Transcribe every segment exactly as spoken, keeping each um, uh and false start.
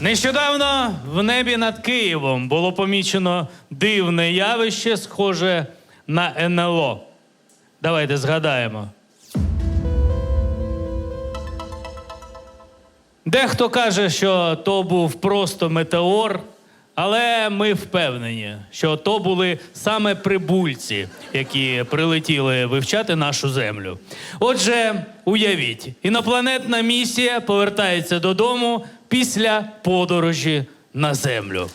Нещодавно в небі над Києвом було помічено дивне явище, схоже на ен ел о. Давайте згадаємо. Дехто каже, що то був просто метеор, але ми впевнені, що то були саме прибульці, які прилетіли вивчати нашу землю. Отже, уявіть, інопланетна місія повертається додому після подорожі на землю.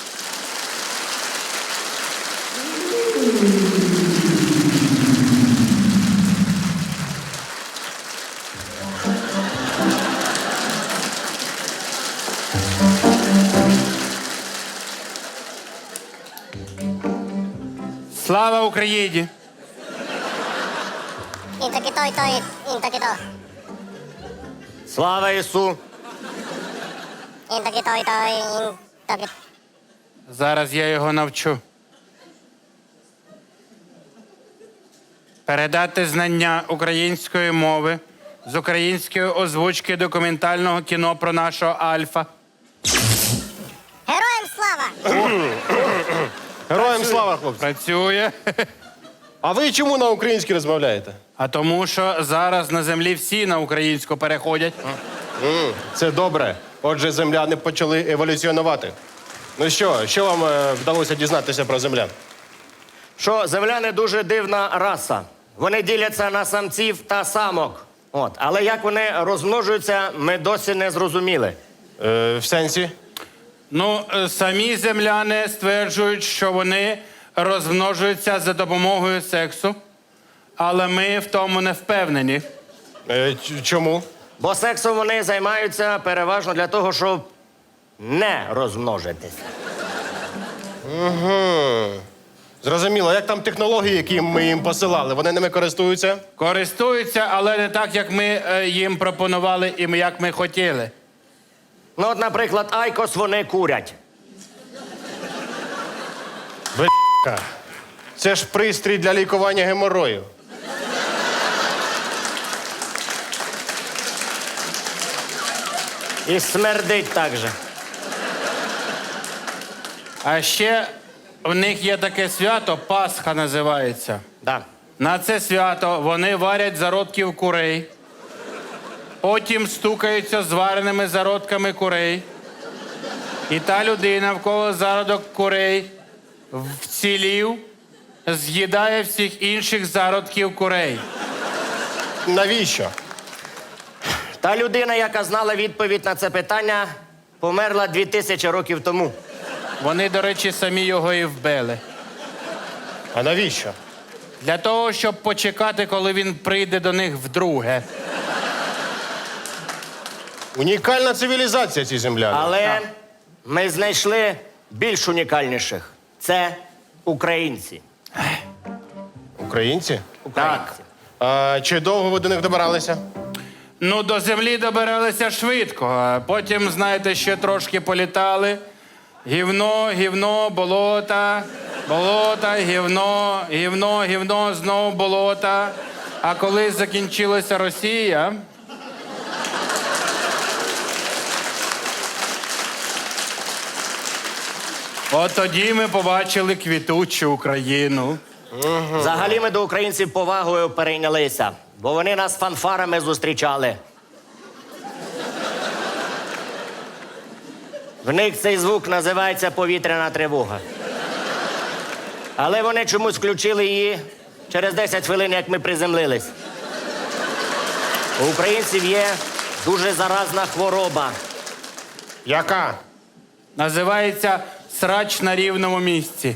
Слава Україні! Інтаки той, той, інтаки то. Слава Ісу! Інтаки той, той, інтаки. Зараз я його навчу. Передати знання української мови з української озвучки документального кіно про нашого Альфа. Героям слава! Героям слава, хлопці. Працює. А ви чому на українській розмовляєте? А тому, що зараз на землі всі на українську переходять. М, Це добре. Отже, земляни почали еволюціонувати. Ну що, що вам е, вдалося дізнатися про землян? Що земляни дуже дивна раса. Вони діляться на самців та самок. От. Але як вони розмножуються, ми досі не зрозуміли. Е, в сенсі? Ну, е, самі земляни стверджують, що вони розмножуються за допомогою сексу, але ми в тому не впевнені. Е, ч- чому? Бо сексом вони займаються переважно для того, щоб не розмножитися. Зрозуміло, як там технології, які ми їм посилали, вони ними користуються? Користуються, але не так, як ми е, їм пропонували і як ми хотіли. Ну, от, наприклад, айкос вони курять. Б***ка. Це ж пристрій для лікування геморою. І смердить так же. А ще в них є таке свято, Пасха називається. Да. На це свято вони варять зародків курей, потім стукаються звареними зародками курей. І та людина, в кого зародок курей вцілів, з'їдає всіх інших зародків курей. Навіщо? Та людина, яка знала відповідь на це питання, померла дві тисячі років тому. Вони, до речі, самі його і вбили. А навіщо? Для того, щоб почекати, коли він прийде до них вдруге. Унікальна цивілізація ці земляни. Але ми знайшли більш унікальніших. Це українці. Українці? Українці. А чи довго ви до них добиралися? Ну, до землі добиралися швидко, а потім, знаєте, ще трошки політали. Гівно, гівно, болота, болота, гівно, гівно, гівно, знову болота. А коли закінчилася Росія, от тоді ми побачили квітучу Україну. Взагалі ми до українців повагою перейнялися, бо вони нас фанфарами зустрічали. В них цей звук називається повітряна тривога. Але вони чомусь включили її через десять хвилин, як ми приземлились. У українців є дуже заразна хвороба. Яка? Називається срач на рівному місці.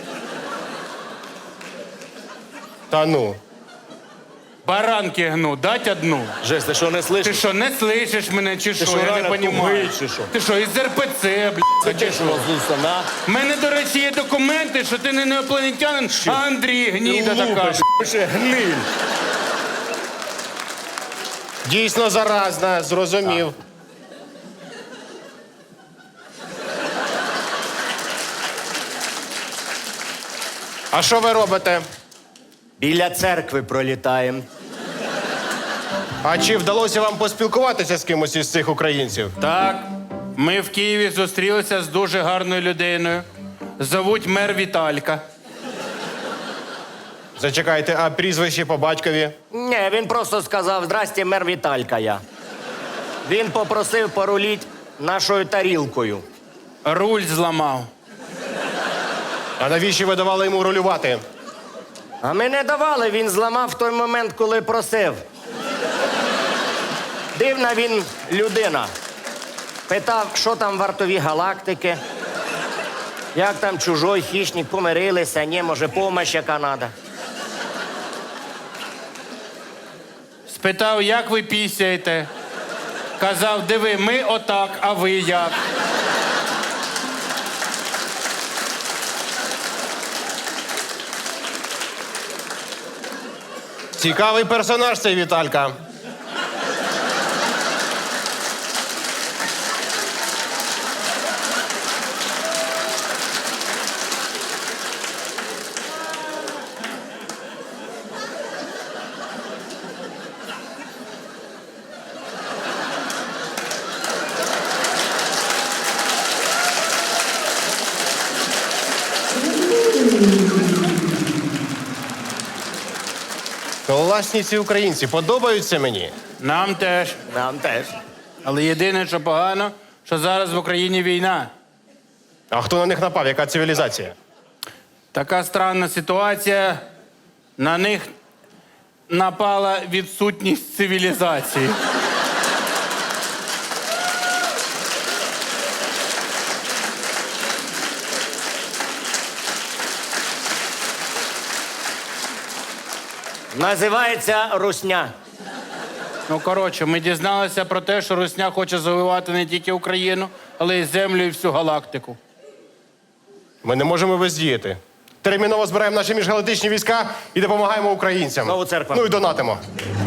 Та ну. Баранки гну, дать одну. Жесть, ти що, не Ти слышиш? що, не слышиш мене, чи що? що, Я не реально розумію. тупий, чи що? Ти що, із ер пе це, блядь, чи що? У мене, до речі, є документи, що ти не інопланетянин, а Андрій гніда така. Гниль. Дійсно заразна, зрозумів. А що ви робите? Біля церкви пролітаємо. А чи вдалося вам поспілкуватися з кимось із цих українців? Так, Ми в Києві зустрілися з дуже гарною людиною. Зовуть мер Віталька. Зачекайте, а прізвище по батькові? Ні, він просто сказав: здрасте, мер Віталька я. Він попросив поруліть нашою тарілкою. Руль зламав. А навіщо ви давали йому рулювати? А ми не давали, він зламав в той момент, коли просив. Дивна він людина. Питав, що там вартові галактики, як там чужой хищник, помирилися, ні, може, помощь яка треба. Спитав, як ви пісяєте. Казав, диви, ми отак, а ви як? Цікавий персонаж цей Віталька. Класні ці українці, подобаються мені. Нам теж. Нам теж. Але єдине, що погано, що зараз в Україні війна. А хто на них напав? Яка цивілізація? Така странна ситуація. На них напала відсутність цивілізації. Називається русня. Ну, коротше, ми дізналися про те, що Русня хоче завоювати не тільки Україну, але й землю і всю галактику. Ми не можемо бездіяти. Терміново збираємо наші міжгалактичні війська і допомагаємо українцям. Знову церква. Ну і донатимо.